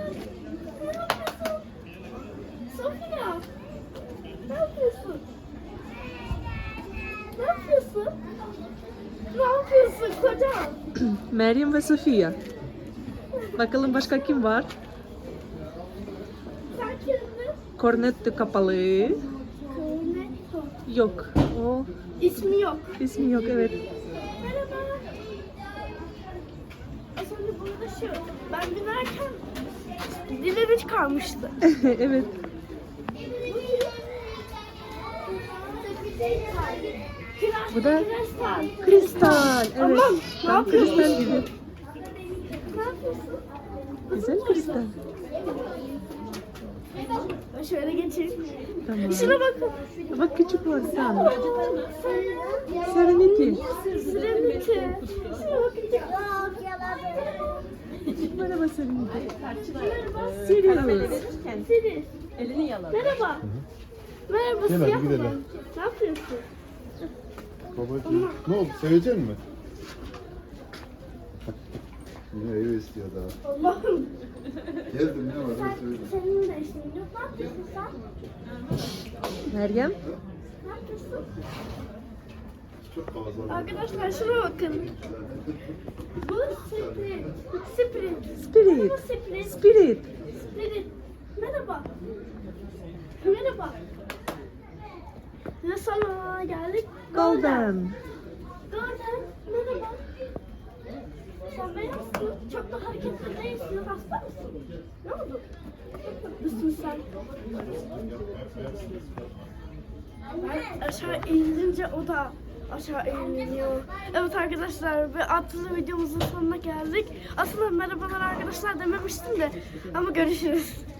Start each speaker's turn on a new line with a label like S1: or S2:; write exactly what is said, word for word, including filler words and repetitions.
S1: Sofia. Ne yapıyorsun? Ne yapıyorsun? Ne yapıyorsun kocam?
S2: Meryem ve Sofia. Bakalım başka kim var?
S1: Sen kimsin?
S2: Kornetto kapalı.
S1: Cornetto.
S2: Yok. O
S1: İsmi yok.
S2: ismi yok, evet.
S1: Merhaba. Az önce burada şu, ben binerken dilimi çıkarmıştı.
S2: Evet. Bu da
S1: Kristal.
S2: kristal. Evet.
S1: Aman, ne
S2: Tam
S1: yapıyorsun?
S2: kristal gibi.
S1: Ne yapıyorsun?
S2: Güzel kristal.
S1: Ben şöyle geçeyim.
S2: Tamam.
S1: Şuna bakın.
S2: Bak küçük var sen.
S1: Serenity.
S2: Serenity.
S1: Serenity. Şuna bakın.
S2: Merhaba Serenity.
S1: Merhaba.
S2: Sirius.
S1: Sirius.
S3: Elini yalan.
S1: Merhaba. Merhaba
S4: Gel hadi
S1: siyah
S4: gidelim.
S1: olan. Ne yapıyorsun?
S4: Babacığım. Ne oldu? Sevecek mi? Yine ev istiyor daha.
S1: Allah'ım.
S4: Geldim ne var?
S1: Sen,
S4: Hadi söyle.
S1: senin de işin yok. Ne yapıyorsun sen?
S2: Meryem.
S1: Ne yapıyorsun?
S4: Çok fazla.
S1: Arkadaşlar şuna bakın. Bu Spirit. Spirit.
S2: Spirit.
S1: Merhaba Spirit.
S2: Spirit.
S1: Spirit. Merhaba. Merhaba. Ve sana geldik.
S2: Golden.
S1: Golden. Merhaba. Sen beyazsın. Çok da hareketli değilsin. Hasta mısın? Ne oldu? Çok tatlısın sen. Ben aşağı eğilince o da aşağı eğiliyor. Evet arkadaşlar, ve adlı videomuzun sonuna geldik. Aslında merhabalar arkadaşlar dememiştim de, ama görüşürüz.